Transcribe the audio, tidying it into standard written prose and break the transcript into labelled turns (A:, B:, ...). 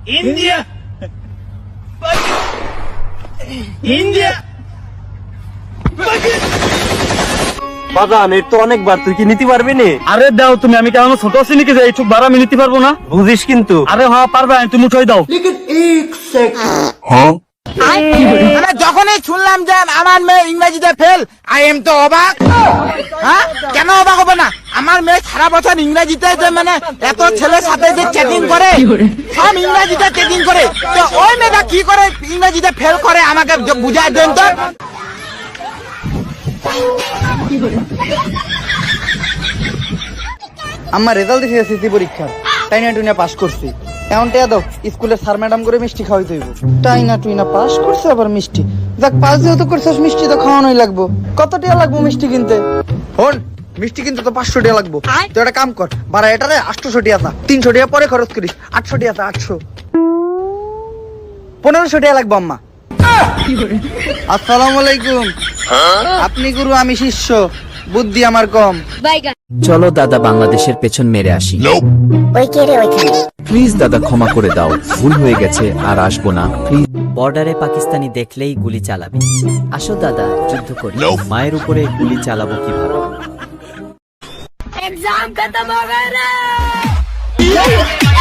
A: India India
B: বাজান এর তো অনেকবার, তুই কি নিতে পারবি নি?
C: আরে দাও তুমি, আমি কেন ছোট আছি নাকি যে এইটুক ভাড়া আমি নিতে পারবো না?
B: বুঝিস কিন্তু।
C: আরে হ্যাঁ পারবে, তুমি উঠাই দাও।
A: মানে যখনই শুনলাম যে আমার মেয়ে ইংরেজিতে ফেল, আই এম তো অবাক। হ্যাঁ, কেন অবাক হবে না? আমার মেয়ে সারা বছর ইংরেজিতে যে মানে এত ছেলের সাথে যে চ্যাটিং করে, সব ইংরেজিতে চ্যাটিং করে, তো ওই মেয়েটা কি করে ইংরেজিতে ফেল করে আমাকে বুঝাই দেন তো।
D: আমার রেজাল্ট দেখে এসএসসি পরীক্ষার টাইনা টুইনা পাস করছি। এখন টেয়া দাও, স্কুলের স্যার ম্যাডাম করে মিষ্টি খাওয়াইতে হইব। টাইনা টুইনা পাস করছে আবার মিষ্টি, যাক পাস যেহেতু করছিস মিষ্টি তো খাওয়ানোই লাগবো। কত টিয়া লাগবো মিষ্টি কিনতে? হন, মিষ্টি কিনতে তো 500 টিয়া লাগবো। তো একটা কাম কর, ভাড়া এটারে 800 টিয়া তা, 300 টিয়া পরে খরচ করিস। 800 টিয়া তা, 800 1500 টিয়া লাগবো আম্মা। আসসালামু আলাইকুম। আপনি গুরু, আমি শিষ্য, বুদ্ধি আমার কম।
E: চলো দাদা বাংলাদেশের পেছন মেরে আসি। প্লিজ দাদা ক্ষমা করে দাও, ভুল হয়ে গেছে, আর আসবো না প্লিজ।
F: বর্ডারে পাকিস্তানি দেখলেই গুলি চালাবে। আসো দাদা যুদ্ধ করি।
E: মায়ের উপরে গুলি চালাবো কিভাবে?
G: एग्जाम खत्म हो गया रे